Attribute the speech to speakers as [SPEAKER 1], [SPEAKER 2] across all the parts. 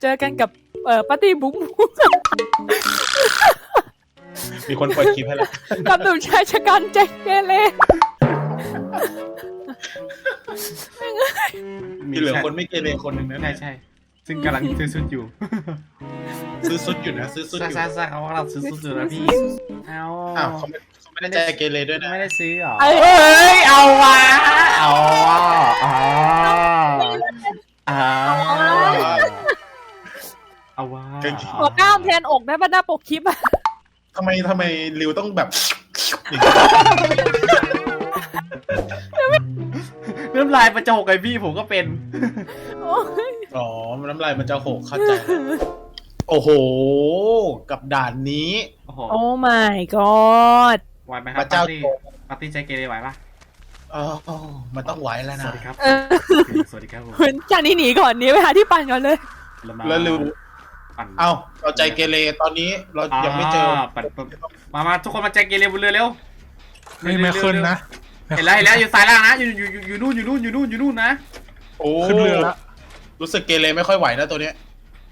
[SPEAKER 1] เจอกันกับปาร์ตี้บุ้ง
[SPEAKER 2] มีคนปล่อยคลิปให้แล้ว
[SPEAKER 1] กับหนุ่มชายชะกันแจ็คเกเร
[SPEAKER 2] มีเหลือคนไม่เกเรคนหนึ่งนะ
[SPEAKER 3] ใช่ซึ่งกำลังซื้อชุดอยู่
[SPEAKER 2] ซื้อซุดอยู่นะซื้อซุดอยู่
[SPEAKER 3] ใช่เขากำลังซื้อชุดอยู่นะพี่เอา
[SPEAKER 2] อ้าวเขาไม่ได้ใจเกเรด้วยนะ
[SPEAKER 3] ไม่ได้ซื้อหรอ
[SPEAKER 1] เอ้ย
[SPEAKER 3] เอาวะเอาวะ
[SPEAKER 1] ขอกล้ามแทนอกได้ป่ะหน้าปกคลิปอะ
[SPEAKER 2] ทำไมริวต้องแบบ
[SPEAKER 3] น้ำลายประจกไอพี่ผมก็เป็น
[SPEAKER 1] โอ้ย
[SPEAKER 2] อ๋อน้ำลายมันจะหกเข้าใจโอ้โหกับด่านนี้
[SPEAKER 3] โอ้โห
[SPEAKER 1] โอ้ my god
[SPEAKER 3] ไหวไหมค
[SPEAKER 2] พ
[SPEAKER 3] รับ
[SPEAKER 2] ระเจ้า
[SPEAKER 3] ปาร์ตี้ใจเกเรไหวปะ
[SPEAKER 2] อ๋อมันต้องไหวแล้ว
[SPEAKER 3] ส
[SPEAKER 2] นะ
[SPEAKER 3] วัสดีครับ สวัสดีครับผม
[SPEAKER 1] คุณจากนี้หนีก่อนหนีไปหาที่ปั่นก่อนเลย
[SPEAKER 2] แล้วริว
[SPEAKER 3] ปั่น
[SPEAKER 2] เอ้าเราใจเกเรตอนนี้เรายังไม่เจอ
[SPEAKER 3] ปั่นมาทุกคนมาใจเกเรบนเรือเร็ว
[SPEAKER 4] ไม่ขึ้นนะ
[SPEAKER 3] เห็นแล้วอยู่ซ้ายล่างนะอยู่นู่นนะ
[SPEAKER 2] โอ้
[SPEAKER 4] ขึ้นเรือแล้ว
[SPEAKER 2] รู้สึกเกเรไม่ค่อยไหวนะตัวเนี้ย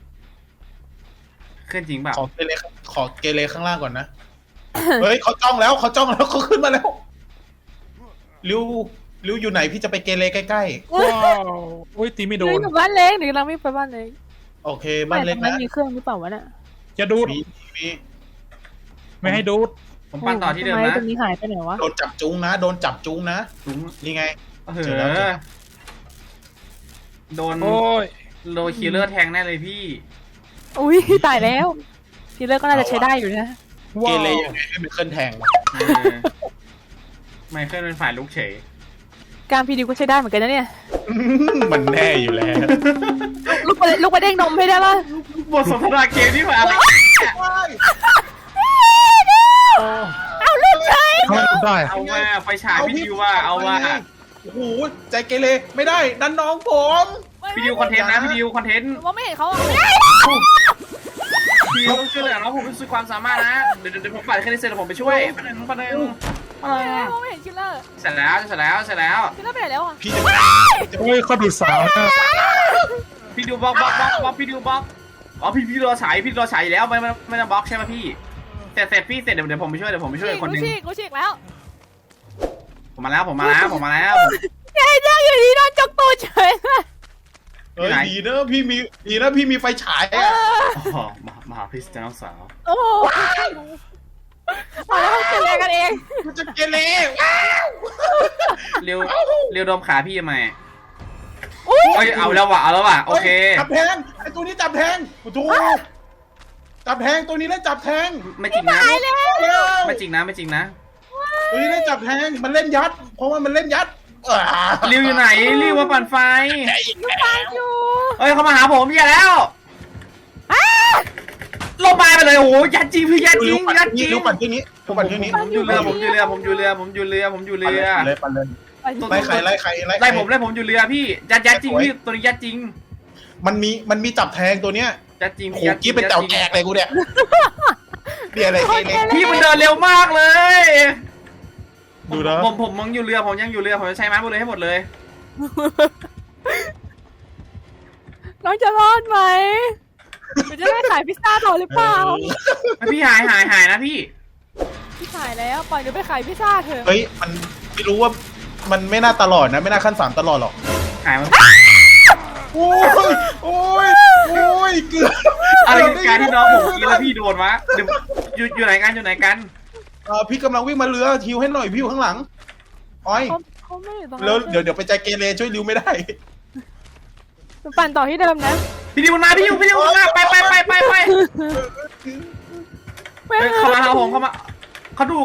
[SPEAKER 3] ขึ้นจริงเปล่า
[SPEAKER 2] ขอเกเรข้างล่างก่อนนะ เฮ้ยเขาจ้องแล้วเขาขึ้นมาแล้วริวอยู่ไหนพี่จะไปเกเรใกล้
[SPEAKER 4] ว้าวอุ้ยตีไม่โด
[SPEAKER 1] หนู
[SPEAKER 4] น
[SPEAKER 1] อยู่บ้านเล็กหนูกำลังไม่ไปบ้านเล็ก
[SPEAKER 2] ๆโอเคบ้านเล็ก
[SPEAKER 1] ไม่
[SPEAKER 2] นะ
[SPEAKER 1] มีเครื่องหรือเปล่าวะเนี่ย
[SPEAKER 4] จะดูด
[SPEAKER 2] มี
[SPEAKER 4] ไม่ให้ดูด
[SPEAKER 3] ผมปั่นต่อที่เดิม
[SPEAKER 1] ทำไ
[SPEAKER 3] นะ
[SPEAKER 1] ตรงนี้หายไปไหนวะ
[SPEAKER 2] โดนจับจุ้งนะนี่ไง เจอแล้ว
[SPEAKER 3] โดน
[SPEAKER 4] โอ้ย
[SPEAKER 3] โลคิลเลอร์แทงแน่เลยพี่
[SPEAKER 1] อุ้ยตายแล้วทีเลอร์ก็น่าจะใช้ได้อยู่นะ
[SPEAKER 2] เก
[SPEAKER 4] ว้าว
[SPEAKER 2] เรยังไงให้มันเคลื่อนแทงวะ
[SPEAKER 3] ไมเคิลเป็นฝ่ายลุกเฉย
[SPEAKER 1] การพีดีก็ใช้ได้เหมือนกันนะเนี่ย
[SPEAKER 2] มันแน่อยู่แล้ว
[SPEAKER 1] ลูกไปเด้งนมให้ได้ป่ะ
[SPEAKER 3] บทสนทนาเกมที่ผ่านอะไร
[SPEAKER 1] เอาลูกใช้
[SPEAKER 4] ทำไมดูได้
[SPEAKER 3] เอาว่าไฟฉายพี่ดิวว่าเอาว่า
[SPEAKER 2] โอ้โหใจเกเรไม่ได้ดันน้องผม
[SPEAKER 3] พี่ดิวคอนเทนต์นะพี่ดิวคอนเทนต์
[SPEAKER 1] ว่าไม่เห็นเขาอ่ะ
[SPEAKER 3] พี่ดิวต้องช่วยเหลือน้องผมด้วยความสามารถนะเดี๋ยวผมปั่นแค่นี้เสร็จแล้วผมไปช่วยประเด็นว่า
[SPEAKER 1] ไม่เห็นคิลเลอร์
[SPEAKER 3] เสร็จแล้ว
[SPEAKER 1] คิลเลอร์ไปไหนแล้วอ่ะ
[SPEAKER 2] พี่
[SPEAKER 4] เฮ้ยเขาดูดสาวนะ
[SPEAKER 3] พี่ดิวบล็อกพี่ดิวบล็อกอ๋อพี่รอฉายอยู่แล้วไม่ต้องบล็อกใช่ไหมพี่เสร็จพี่เสร็จเดี๋ยวผมไปช่วยคนนึง
[SPEAKER 1] กูฉีกแล้ว
[SPEAKER 3] ผมมาแล้ว
[SPEAKER 1] แกยังอยู่ดีโดนจกตูดเฉยเลย
[SPEAKER 2] เฮ้ยดีนะพี่มีไฟฉายอ่ะ
[SPEAKER 3] อ๋อมาหาพี่น้องสาว
[SPEAKER 1] โอ้โหเอาแล้วเกิดอะไรกันเอง
[SPEAKER 2] มันจะเกเร
[SPEAKER 3] เร็วดมขาพี่ทำไม
[SPEAKER 1] อุ้ย
[SPEAKER 3] เอาแล้วว่ะโอเค
[SPEAKER 2] จับแทงไอตัวนี้จับแทงโอ้โหจับแทงตัวนี้เล่นจับแทง
[SPEAKER 3] ไม่จริงนะ
[SPEAKER 1] ตายแล้ว
[SPEAKER 3] ไม่จริงนะ
[SPEAKER 2] ตัวนี้เล่นจับแทงมันเล่นยัด เพราะว่ามันเล่นยัด
[SPEAKER 3] ริวอยู่ไหนริวมาปั่นไฟ
[SPEAKER 1] ตายอยู่
[SPEAKER 3] เฮ้ยเขามาหาผมอย่าแล้วลงมาไปเลยโอ้โหยัดจริงพี่ยัดจริง
[SPEAKER 2] รู้ปั่นที่นี้ปั่นที่นี้
[SPEAKER 3] ผมอยู่เรือปั่นเลย
[SPEAKER 2] ไล่ใคร
[SPEAKER 3] ไล่ผมอยู่เรือพี่ยัดจริงพี่ตัวนี้ยัดจริง
[SPEAKER 2] มันมีจับแทงตัวเนี้ย
[SPEAKER 3] ยัดจริง
[SPEAKER 2] โหกี้เป็นเต่าแกกเลยกูเนี่ยเดี๋ยวอะไรเกเร
[SPEAKER 3] พี่มันเดินเร็วมากเลย
[SPEAKER 2] ดูนะ
[SPEAKER 3] ผมยังอยู่เรือผมจะใช้ไม้บนเรือให้หมดเลย
[SPEAKER 1] น้องจะรอดไหมมันจะได้ขายพิซซ่าต่อหรือเปล่า
[SPEAKER 3] พี่หายนะพี่
[SPEAKER 1] พี่ขายแล้วปล่อยหนูไปขายพิซซ่าเถอะ
[SPEAKER 2] เฮ้ยมันไม่รู้ว่ามันไม่น่าตลอดนะไม่น่าขั้น3ตลอดหรอก
[SPEAKER 3] หายมา
[SPEAKER 2] โอ้ยเกือบ
[SPEAKER 3] อะไรการที่น้องผมกินแล้วพี่โดนวะอยู่ไหนกัน
[SPEAKER 2] พี่กำลังวิ่งมาเรือทิวให้หน่อยพี่อยู่ข้างหลังอ้อย
[SPEAKER 1] เขาไม่อยู่ตรงนั้
[SPEAKER 2] แล้ว
[SPEAKER 1] น
[SPEAKER 2] เดี๋ยวไปใจเกเรช่วยริวไม่ได้
[SPEAKER 1] หนูปั่นต่อที่เดิมนะ
[SPEAKER 3] พี่ดิวมาไปเข้ามาหาผมเข้ามาเขาดู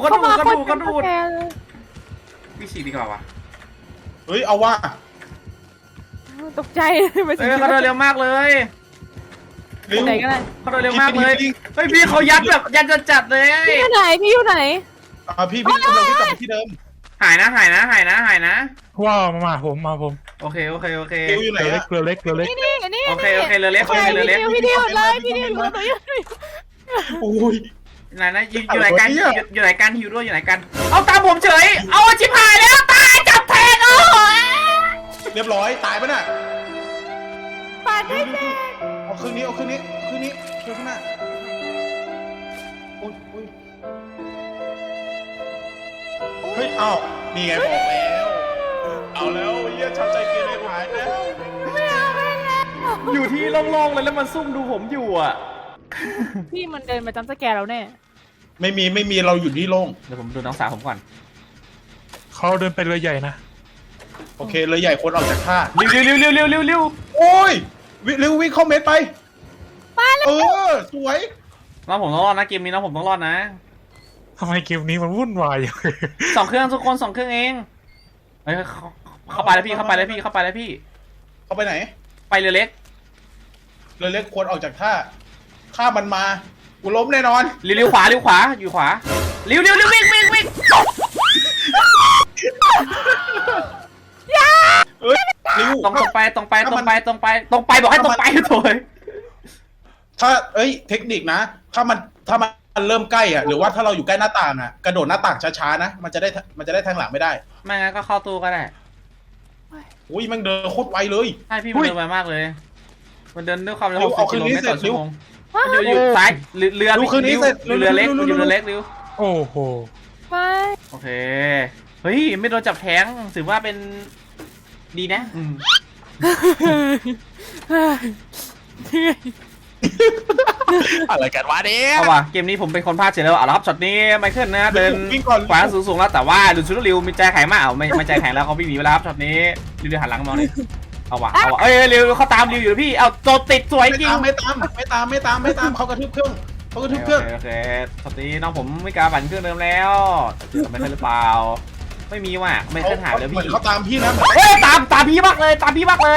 [SPEAKER 3] พี่ฉีกดีกว่าวะ
[SPEAKER 2] เฮ้ยเอาว่า
[SPEAKER 1] ตกใจไปสิ
[SPEAKER 3] เขาเดินเร็วมากเลย
[SPEAKER 2] ริว
[SPEAKER 1] ไหนกันเลย
[SPEAKER 3] เขาเดินเร็วมากเลยเฮ้ยพี่เขายัดแบบยัดจัดเลย
[SPEAKER 1] พี่อยู่ไหนพี่อยู่ไหน
[SPEAKER 2] พี่กำลังวิ่งกลับไปที่เดิม
[SPEAKER 3] หายนะ
[SPEAKER 4] ว้าวมาผม
[SPEAKER 3] โอเค
[SPEAKER 2] ริวอยู่ไหน
[SPEAKER 4] เกลือเล็ก
[SPEAKER 1] นี่
[SPEAKER 3] โอเคเรือเล็ก
[SPEAKER 1] พี่ดิวเลยพี่ดิวอยู่ตัวอยู่
[SPEAKER 2] โอ้ย
[SPEAKER 3] ไหนอยู่ไหนกันหิวด้วยอยู่ไหนกันเอาตามผมเฉยเอาชิบหายแล้วตายจับแทงโอ้ย
[SPEAKER 2] เรียบร้อยตายปะน่ะ
[SPEAKER 1] ปั่นได้เสร็จ
[SPEAKER 2] โอเอาคืนนี้เอาคืนนี้คืนนี้ช่วยข้างหน้าโอ้ยโอ้ยเฮ้ยอ้าวนี่ไงบอกแล้วเอาแล้วเยี่ยชาวใจเกเรหายแล้ว
[SPEAKER 3] อยู่ที่โล่งๆเลยแล้วมันซุ่มดูผมอยู่อ่ะ
[SPEAKER 1] พี่มันเดินมาจำสแกร์เราแน่
[SPEAKER 2] ไม่มีเราอยู่ที่โล่ง
[SPEAKER 3] เดี๋ยวผมดูน้องสาวผมก่อน
[SPEAKER 4] เขาเดินไปเรือใหญ่นะ
[SPEAKER 2] โอเคเลยใหญ่คนออกจากท่า
[SPEAKER 3] เร็ว
[SPEAKER 2] โอ้ยเร็ววิ่งเข้าเม็ดไปเออสวย
[SPEAKER 3] น้องผมต้องรอดนะเกมนี้น้องผมต้องรอดนะ
[SPEAKER 4] ทำไมเกมนี้มันวุ่นวายอย่างนี้
[SPEAKER 3] สองเครื่องทุกคน2 เครื่องเองเฮ้ยเข้าไปแล้วพี่เข้าไปแล้วพี่
[SPEAKER 2] เข้าไปไหน
[SPEAKER 3] ไปเรือเล็ก
[SPEAKER 2] เรือเล็กควรออกจากท่าข้ามันมากูล้มแน่นอน
[SPEAKER 3] เลี้ยวขวาอยู่ขวาเลี้ยววิ่ง
[SPEAKER 2] เอ้ยริว
[SPEAKER 3] ตรงไปบอกให้ตรงไปโถย
[SPEAKER 2] ถ้าเทคนิคนะถ้ามันเริ่มใกล้อ่ะหรือว่าถ้าเราอยู่ใกล้หน้าต่างอ่ะกระโดดหน้าต่างช้าๆนะมันจะได้แทงหลังไม่ได้
[SPEAKER 3] ไม่งั้นก็เข้าตู้ก็ได้
[SPEAKER 2] อุ้ยแม่งเดินโคตรไวเลย
[SPEAKER 3] ใช่พี่มันเดินไวมากเลยมันเดินด้วยความเร็ว
[SPEAKER 2] เอา
[SPEAKER 3] 60
[SPEAKER 2] คื
[SPEAKER 3] กิ
[SPEAKER 2] น
[SPEAKER 3] โล
[SPEAKER 2] นี้
[SPEAKER 3] เมตรต่อ
[SPEAKER 2] เสร็จ
[SPEAKER 3] ชั่วโมงอยู่ซ้ายเรือ
[SPEAKER 2] ดูคืนนี้เสร็จ
[SPEAKER 3] เรือเล็ก
[SPEAKER 2] เร็ว
[SPEAKER 3] อยู่เรือเล็กริว
[SPEAKER 4] โอ้โห
[SPEAKER 1] ไม่
[SPEAKER 3] โอเคเฮ้ยไม่โดนจับแท้งถือว่าเป็นดีนะ
[SPEAKER 2] อะไรกันวะเนี่ย
[SPEAKER 3] เอาว่ะเกมนี้ผมเป็นคนพลาดเฉยแล้วเอาละครับช็อตนี้ไมเคิลนะเดิน
[SPEAKER 2] วิ่งก่อน
[SPEAKER 3] ขวาสูงๆแล้วแต่ว่าดูชุดริวมีใจแข็งมากไม่ใจแข็งแล้วเขาวิ่งหนีไปแล้วครับช็อตนี้ริวหันหลังมองเลยเอาว่ะเอ้ยริวเขาตามริวอยู่พี่เอาโจติดสวยจริง
[SPEAKER 2] ไม่ตามเขากระทืบเครื่อง
[SPEAKER 3] โอเคช็อตนี้น้องผมไม่กล้าปั่นเครื่องเดิมแล้วทำไมเคยหรือเปล่าไม่มีว่ะไม่เคยหายเลยพี่
[SPEAKER 2] เขาตามพี่นะ
[SPEAKER 3] เฮ้ยตามพี่มากเลยต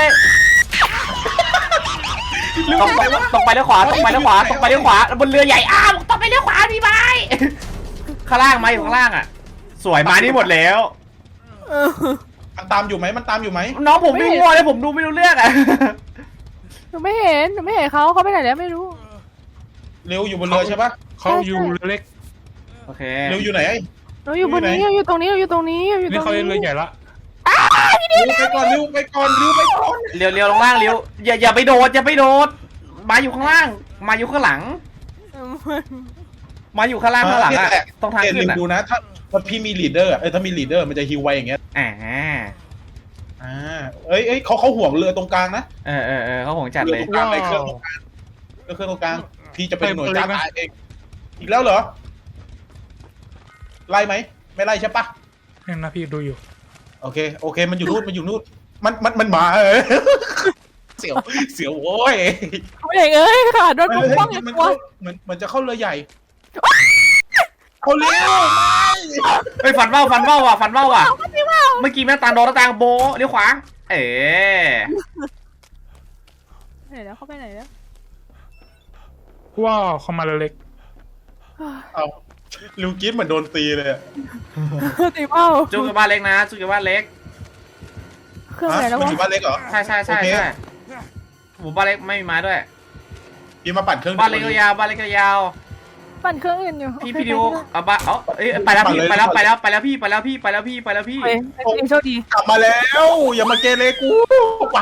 [SPEAKER 3] รงไปเลี้ยวขวาบนเรือใหญ่อ้าวต้องไปเลี้ยวขวาพี่ไม้ข้างล่างมาอยู่ข้างล่างอ่ะสวยมานี่หมดแล้ว
[SPEAKER 2] มันตามอยู่ไหม
[SPEAKER 3] น้องผมไม่งัวเลยผมดูไม่รู้เรื่องอ่ะ
[SPEAKER 1] หนูไม่เห็นเขาไปไหนแล้วไม่รู้
[SPEAKER 2] เร็วอยู่บนเรือใช่ปะ
[SPEAKER 4] เขาอยู่เรือเล็ก
[SPEAKER 3] โอเค
[SPEAKER 2] เร็วอยู่ไหน
[SPEAKER 1] เราอยู่บนนี้เราอยู่ตรงนี้
[SPEAKER 4] นี่เขาเรือใหญ่ละ
[SPEAKER 2] เร็วไปก่อนเร็วไปก่อน
[SPEAKER 3] เลี้ยวลงล่างเลี้ยวอย่าไปโดดมาอยู่ข้างล่างมาอยู่ข้างหลังมาอยู่ข้างล่างอ่ะต้องทางขึ้น
[SPEAKER 2] อ่ะดูนะถ้าพี่มีลีดเดอร์ถ้ามีลีดเดอร์มันจะฮิวไวอย่างเงี้ยเขาห่วงเรือตรงกลางนะ
[SPEAKER 3] เขาห่วงจัดเลย
[SPEAKER 2] ตรงกลางในเครื่องตรงกลางพี่จะเป็นหน่วยกล้าตายเองอีกแล้วเหรอไล่ไหมไม่ไล่ใช่ปะ
[SPEAKER 4] นี่นะพี่ดูอยู่
[SPEAKER 2] โอเคมันอยู่นู่นมันมาเสียวโว้ย
[SPEAKER 1] เขาเองค่ะโดนปกป้องอย่างตัว
[SPEAKER 2] มันจะเข้าเรือใหญ่เขาเร็ว
[SPEAKER 3] ไปฟันเบ้าว่ะเมื่อกี้แม่ตาโดนตาโบเลี้ยวขวา
[SPEAKER 1] ไหนแล้วเขาไปไหนแล้ว
[SPEAKER 4] ว้าวเขามาเรือเล็ก
[SPEAKER 2] เอาลิวกิ๊ฟเหมือนโดนตีเลย
[SPEAKER 1] ตีเป้า
[SPEAKER 3] จุกกับบ้านเล็กนะจุกกับบ้านเล็ก
[SPEAKER 1] เครื่องไหนแล้ว
[SPEAKER 2] มัน
[SPEAKER 1] วะ
[SPEAKER 2] อยู่บ้านเล็กเหรอ
[SPEAKER 3] ใช่ผมบ้านเล็กไม่มีไม้ด้วย
[SPEAKER 2] พี่มาปั่นเครื่อง
[SPEAKER 3] บ้านเล็กยาว
[SPEAKER 1] ปั่นเครื่องอื่นอยู่
[SPEAKER 3] พี่ดิวเอาบ้านไปแล้วพี่ไปแล้วพี่
[SPEAKER 1] โชคดี
[SPEAKER 2] กลับมาแล้วอย่ามาเกเรกูป้า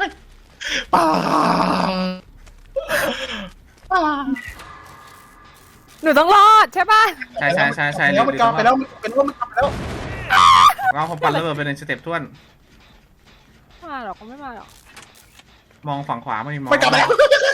[SPEAKER 1] หนูต้องรอดใช่ป่ะ
[SPEAKER 3] ใช่
[SPEAKER 2] แล้วมันกลับไปแล้วเป็นว่ามันกลับไปแล้ว
[SPEAKER 3] เราผมปั่นระเบิดเป็นสเต็ปท่วน
[SPEAKER 1] มาหรอกเขาไม่มาหรอก
[SPEAKER 3] มองฝั่งขวาไม่มอง
[SPEAKER 2] มันกลับมาแล้ว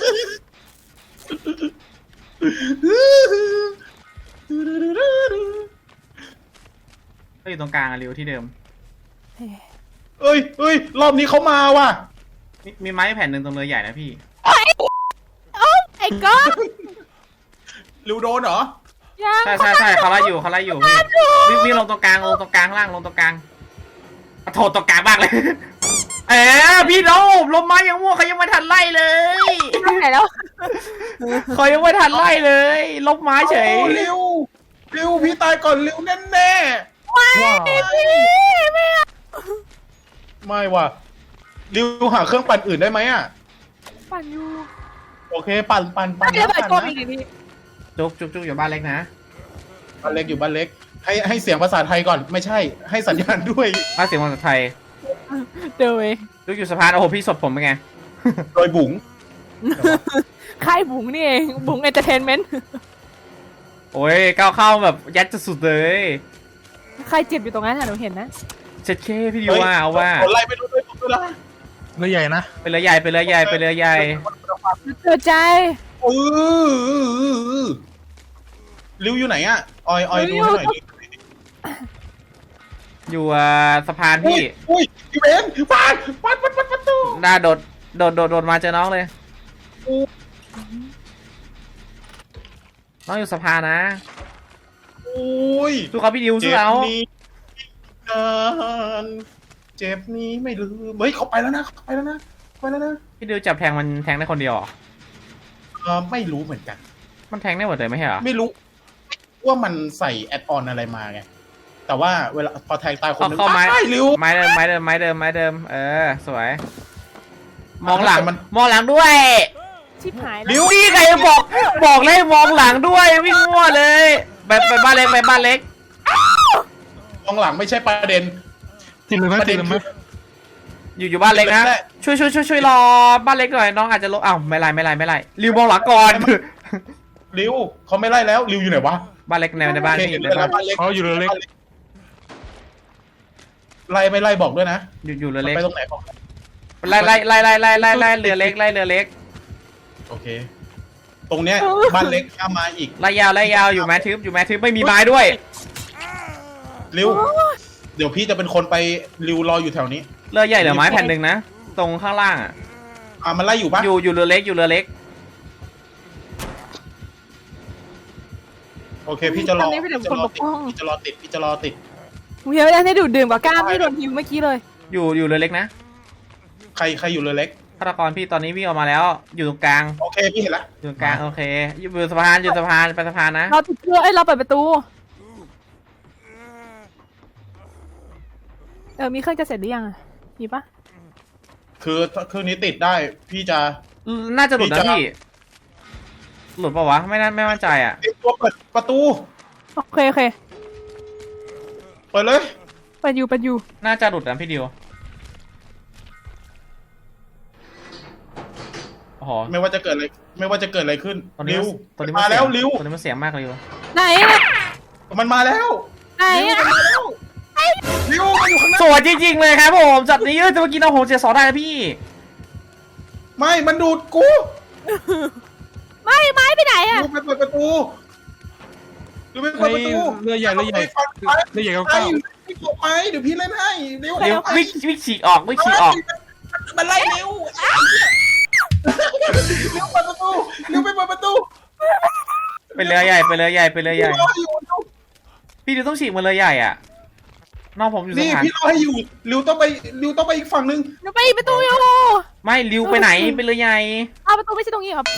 [SPEAKER 3] ก็อยู่ตรงกลางอะริวที่เดิม
[SPEAKER 2] เอ้ยรอบนี้เขามาว่ะ
[SPEAKER 3] มีไม้แผ่นหนึ่งตรงเรือใหญ่นะพี่
[SPEAKER 1] ไอ้ก๊อฟ
[SPEAKER 2] ลิวโดนเหรอ
[SPEAKER 1] ยัง
[SPEAKER 3] ใช่เขาไล่อยู่พี่วิ่งลงตรงกลางล่างลงตรงกลางโถตรงกลางบ้างเลยพี่น้องลมไม้ยังมั่วเขายังไม่ทันไล่เลย
[SPEAKER 1] ไหนแล้ว
[SPEAKER 3] เขายังไม่ทันไล่เลยลบไม้เฉย
[SPEAKER 2] ลิวพี่ตายก่อนลิวแน่
[SPEAKER 4] ว้าว
[SPEAKER 2] ไม่ว่ะลิวหาเครื่องปั่นอื่นได้ไหมอ่ะ
[SPEAKER 1] ปั่นอยู่
[SPEAKER 2] โอเคปั่น
[SPEAKER 1] ไม่ได้เปิดตัวอีกที
[SPEAKER 3] จุกอยู่บ้านเล็กนะ
[SPEAKER 2] บ้านเล็กอยู่บ้านเล็กให้เสียงภาษาไทยก่อนไม่ใช่ให้สัญญาณด้วย
[SPEAKER 3] มาเสียงภาษาไทย
[SPEAKER 1] เดี๋ยวเอง
[SPEAKER 3] จุกอยู่สะพานโอ้โหพี่สดผมเป็นไง
[SPEAKER 2] โดยบุ๋ง
[SPEAKER 1] ค่ายบุ๋งนี่เองบุ๋งเอนเตอร์เทนเมนต์
[SPEAKER 3] โอ้ยก้าวเข้าแบบยัดสุดๆเลย
[SPEAKER 1] ใครเจ็บอยู่ตรงนั้นอะหนูเห็นนะ
[SPEAKER 3] เช็ดเคพี่ดิวว่าเอาว่า
[SPEAKER 2] ไล่ไปดูด้วยผมด้วยนะ
[SPEAKER 4] เรือใหญ่นะ
[SPEAKER 3] ไปเรือใหญ่ไปเรือใหญ่ไปเรือใหญ่
[SPEAKER 1] เกิดใจ
[SPEAKER 2] ริวอยู่ไหนอะออยดูให้หน่อยดิ
[SPEAKER 3] อยู่สะพานพี่
[SPEAKER 2] อุ้ยพี่เบนปาดประตู
[SPEAKER 3] น่าโดดมาเจอน้องเลยน้องอยู่สะพานนะ
[SPEAKER 2] อุ้ย
[SPEAKER 3] สู้เขาพี่ดิวสู้
[SPEAKER 2] เจ็บ
[SPEAKER 3] เขา
[SPEAKER 2] นี้นานเจ็บนี้ไม่ลืมเฮ้ยเขาไปแล้วนะไปแล้วนะ
[SPEAKER 3] พี่ดิวจับแทงมันแทงได้คนเดียวเหรอ
[SPEAKER 2] ไม่รู้เหมือนกัน
[SPEAKER 3] มันแทงได้หมดเลยไม่ใช่เหรอ
[SPEAKER 2] ไม่รู้ว่ามันใส่แอดออนอะไรมาไงแต่ว่าเวลาพอแทงตายคนนึง
[SPEAKER 3] เข้าไม้
[SPEAKER 2] ตายริว
[SPEAKER 3] ไม้เดิมสวยมองหลัง
[SPEAKER 2] มัน
[SPEAKER 3] มองหลังด้วย
[SPEAKER 1] ชิบหาย
[SPEAKER 2] ริ
[SPEAKER 1] แล้ว
[SPEAKER 2] ว
[SPEAKER 3] พี่ใครบอกเลยมองหลังด้วยวิ่งมั่วเลยไปบ้านเล็กไปบ้านเล็ก
[SPEAKER 2] มองหลังไม่ใช่ประเด็น
[SPEAKER 4] ติดเลยไหม
[SPEAKER 2] ประ
[SPEAKER 4] ติ
[SPEAKER 2] เด็
[SPEAKER 4] ด
[SPEAKER 2] น
[SPEAKER 4] เลยไหม
[SPEAKER 2] คือ
[SPEAKER 3] อยู่บ้านเล็กนะ
[SPEAKER 2] ไม่ได้
[SPEAKER 3] ช่วยรอบ้านเล็กหน่อยน้องอาจจะลงอ้าวไม่ไรริวมองหลังก่อน
[SPEAKER 2] ริวเขาไม่ไล่แล้วริวอยู่ไหนวะ
[SPEAKER 3] บ้านเล็กในบ้าน
[SPEAKER 2] โอเค
[SPEAKER 3] พี่
[SPEAKER 2] เห็น
[SPEAKER 3] ใน
[SPEAKER 2] แล้ว
[SPEAKER 3] บ้าน
[SPEAKER 2] บ้านเล็ก
[SPEAKER 4] เขาอยู่เรือเล็ก
[SPEAKER 2] ไล่ไม่ไล่บอกด้วยนะ
[SPEAKER 3] อยู่เรือเล็ก
[SPEAKER 2] ไปตรงไหนบอก
[SPEAKER 3] ไล่เรือเล็ก
[SPEAKER 2] โอเค ตรงเนี้ยบ้านเล็กข้ามมาอีก
[SPEAKER 3] ไล่ยาวอยู่แมททึบไม่มีไม้ด้วย
[SPEAKER 2] ริวเดี๋ยวพี่จะเป็นคนไปริวรออยู่แถวนี้
[SPEAKER 3] เรือใหญ่เหลือไม้แผ่นหนึ่งนะตรงข้างล่างอ่ะ
[SPEAKER 2] มันไล่อยู่ปะ
[SPEAKER 3] อยู่เรือเล็ก
[SPEAKER 2] โอเคพี่จะรอ
[SPEAKER 1] ตอนนี้เป็นคนปกป้อง
[SPEAKER 2] พี่จะรอติด
[SPEAKER 1] หนูเห็นว่าได้ดูดดื่มกับก้ามที่โดนฮิวเมื่อกี้เลย
[SPEAKER 3] อยู่เรือเล็กนะ
[SPEAKER 2] ใครอยู่เรือเล็ก
[SPEAKER 3] ฆาตกรพี่ตอนนี้วิ่งออกมาแล้ว อยู่ตรงกลาง
[SPEAKER 2] โอเคพี่เห็นแล้ว
[SPEAKER 3] อยู่ตรงกลางโอเคอยู่สะพานไปสะพานนะ
[SPEAKER 1] เราติดเชื้อเราเปิดประตูมีเครื่องจะเสร็จหรือยังอะมีปะ
[SPEAKER 2] คือถ้าเครื่องนี้ติดได้พี่จะ
[SPEAKER 3] น่าจะหลุดนะพี่หลุดปะวะไม่มั่นใจอ่ะ
[SPEAKER 2] เตรียมตัวเปิดประตู
[SPEAKER 1] โอเค
[SPEAKER 2] เปิดเลย
[SPEAKER 1] ไปอยู่
[SPEAKER 3] น่าจะหลุดนะพี่ดิวโอ้โห
[SPEAKER 2] ไม่ว่าจะเกิดอะไรขึ้น
[SPEAKER 3] ตอนนี้
[SPEAKER 2] ริว
[SPEAKER 3] ตอนนี้
[SPEAKER 2] มาแล้วริว
[SPEAKER 3] ตอนนี้มันเสียงมากริว
[SPEAKER 1] ไหนอะ
[SPEAKER 2] มันมาแล้ว
[SPEAKER 1] ไหน
[SPEAKER 2] ริว
[SPEAKER 1] อะ
[SPEAKER 2] มันมาแล้วริวมันอยู่ข้างหน้า
[SPEAKER 3] สวยจริงๆเลยครับผมจัดนี้จะเมื่อกี้เราโหเจ็ดสองได้นะพี่
[SPEAKER 2] ไม่มันดูดกู
[SPEAKER 1] ไม่ไม้ไปไหนอะ
[SPEAKER 2] ริวไปเปิดประตูริวไปเปิดประตู
[SPEAKER 4] เรือใหญ่เรือใหญ่ เรือใหญ่
[SPEAKER 2] ไป
[SPEAKER 4] เก้า
[SPEAKER 2] ไม่ตกไปเดี๋ยวพี่เล่นให้เร็ว
[SPEAKER 3] เร็ววิ่งฉีกออก
[SPEAKER 2] มันไล่เร็วเร็วเปิดประตูเร็วไปเปิดประตู
[SPEAKER 3] ไปเรือใหญ่
[SPEAKER 2] รออยู่
[SPEAKER 3] พี่ดิวต้องฉีกมาเรือใหญ่อ่ะน้องผมอยู่สะ
[SPEAKER 2] นี่
[SPEAKER 3] พาน
[SPEAKER 2] พี่รอให้อยู่ริวต้องไปอีกฝั่งนึง
[SPEAKER 1] หนูไปอีกประตูอยู่
[SPEAKER 3] ไม่ริวไปไหนไปเรือใหญ่
[SPEAKER 1] เอาประตูไม่ใช่ตรงนี้ครับ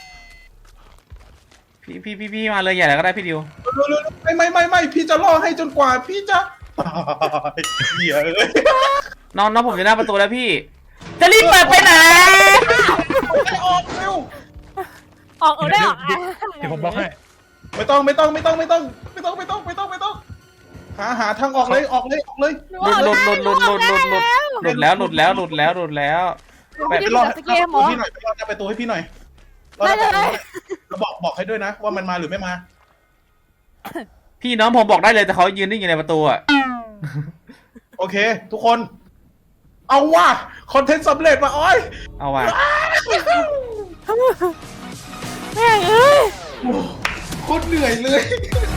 [SPEAKER 3] พี่มาเรือใหญ่แล้วก็ได้พี่ดิว
[SPEAKER 2] ไม่พี่จะรอให้จนกว่าพี่จะตายเหี้ยเอ้ย
[SPEAKER 3] น้องผมอยู่หน้าประตูแล้วพี่ จะรีบเปิดไปไหน
[SPEAKER 2] ออกเร็ว
[SPEAKER 1] ออกได้ออก
[SPEAKER 4] เดี๋ยวผมบล็อกให้
[SPEAKER 2] ไม่ต้องหาทางออกเลย
[SPEAKER 3] หลุดแล้ว
[SPEAKER 1] ไม่ได้เปิดสเกมเหรอ
[SPEAKER 2] พี่หน่อยไปรอหน้าประตูให้พี่หน่อยแล้วบอกให้ด้วยนะว่ามันมาหรือไม่มา
[SPEAKER 3] พี่น้องผมบอกได้เลยแต่เขายืนนิ่งอยู่ในประตูอ่ะ
[SPEAKER 2] โอเค ทุกคน เอาว่ะคอนเทนต์สำเร็จว่ะอ้อย
[SPEAKER 3] เอาว่ะ
[SPEAKER 1] แม่งเอ้ย
[SPEAKER 2] โคตรเหนื่อยเลย